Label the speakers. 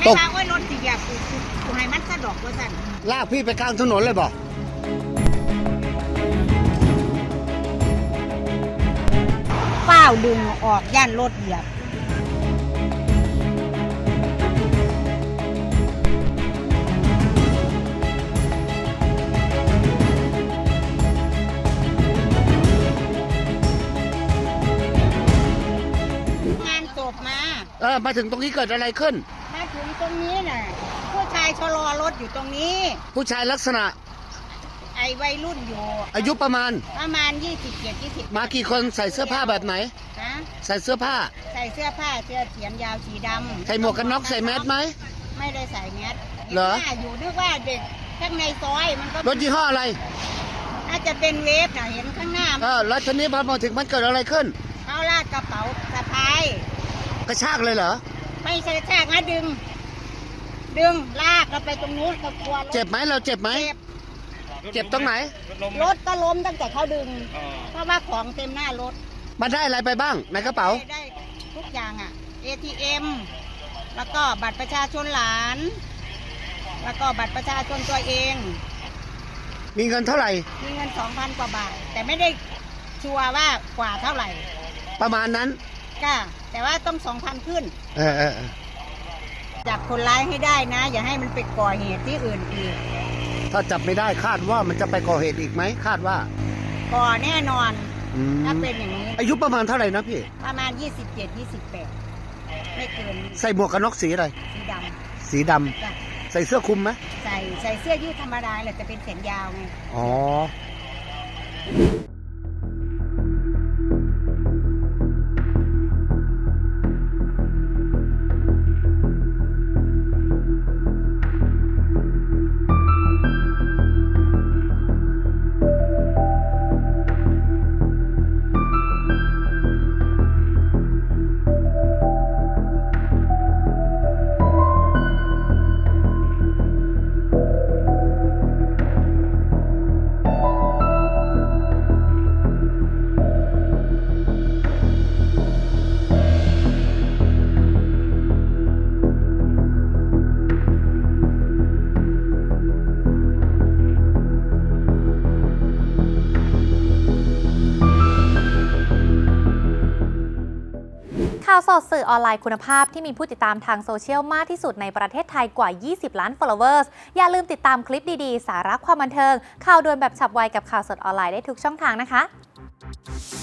Speaker 1: ตก
Speaker 2: ไม่ว่าโอ้ยรถสิเหยียบกูให้มันสะดอกว่าสั่น
Speaker 1: ลากพี่ไปกลางถนนเลยบอก
Speaker 2: เป้าดึงออกย่านรถเหยียบงานจบมา
Speaker 1: มาถึงตรงนี้เกิดอะไรขึ้น
Speaker 2: มาถึงตรงนี้น่ะผู้ชายชะลอรถอยู่ตรงนี้
Speaker 1: ผู้ชายลักษณะ
Speaker 2: ไอ้วัยรุ่นอยู่
Speaker 1: อายุประมาณ
Speaker 2: 20
Speaker 1: มากี่คนใส่เสื้อผ้าแบบไหน
Speaker 2: นะ
Speaker 1: ใส่เสื้อผ้า
Speaker 2: ใส่เสื้อผ้าเสื้อเขียนยาวสีดำ
Speaker 1: ใส่หมวกกันน็อกใส่แมสไหม
Speaker 2: ไม่ได้ใส่แมส
Speaker 1: เหรอ
Speaker 2: ห็นว่าอยู่นึกว่าเด็กข้างในซอยมันก็
Speaker 1: รถยี่ห้ออะไร
Speaker 2: น่าจะเป็นเวฟน่ะเห็นข้างหน้า
Speaker 1: แล้วทีนี้พอมาถึงมันเกิดอะไรขึ้น
Speaker 2: เขาลากกระเป๋าสะพาย
Speaker 1: กระชากเลยเหรอ
Speaker 2: ไม่ใช่กระชากนะดึงลากเราไปตรงนู้นก็กลัวรถ
Speaker 1: เจ็บไหมเราเจ็บไหม เจ็บตรงไหน
Speaker 2: รถก็ล้มตั้งแต่เขาดึง เพราะว่าของเต็มหน้ารถ
Speaker 1: มาได้อะไรไปบ้างในกระเป๋า
Speaker 2: ได้ทุกอย่างอ่ะ ATM แล้วก็บัตรประชาชนหลาน แล้วก็บัตรประชาชนตัวเอง
Speaker 1: มีเงินเท่าไหร่
Speaker 2: มีเงิน 2,000 กว่าบาท แต่ไม่ได้ชัวร์ว่ากว่าเท่าไหร่
Speaker 1: ประมาณนั้น
Speaker 2: ก็แต่ว่าต้อง 2,000 ขึ้น
Speaker 1: เออ
Speaker 2: จับคนร้ายให้ได้นะ อย่าให้มันไปก่อเหตุที่อื่นอีก
Speaker 1: ถ้าจับไม่ได้คาดว่ามันจะไปก่อเหตุอีกไหมคาดว่า
Speaker 2: ก่อแน่นอน
Speaker 1: อืม
Speaker 2: ถ้าเป็นอย่างนี้
Speaker 1: อายุประมาณเท่าไหร่นะพี่
Speaker 2: ประมาณ 27-28 ไม่เกิน
Speaker 1: ใส่หมวกกันน็อกสีอะไร
Speaker 2: สีด
Speaker 1: สีดำ
Speaker 2: ำจ้ะ
Speaker 1: ใส่เสื้อคลุมไหม
Speaker 2: ใส่เสื้อยืดธรรมดาแหละแต่เป็นแขนยาวไง
Speaker 1: อ๋อ
Speaker 3: ข่าวสดสื่อออนไลน์คุณภาพที่มีผู้ติดตามทางโซเชียลมากที่สุดในประเทศไทยกว่า 20 ล้าน followers อย่าลืมติดตามคลิปดีๆ สาระความบันเทิง ข่าวด่วนแบบฉับไวกับข่าวสดออนไลน์ได้ทุกช่องทางนะคะ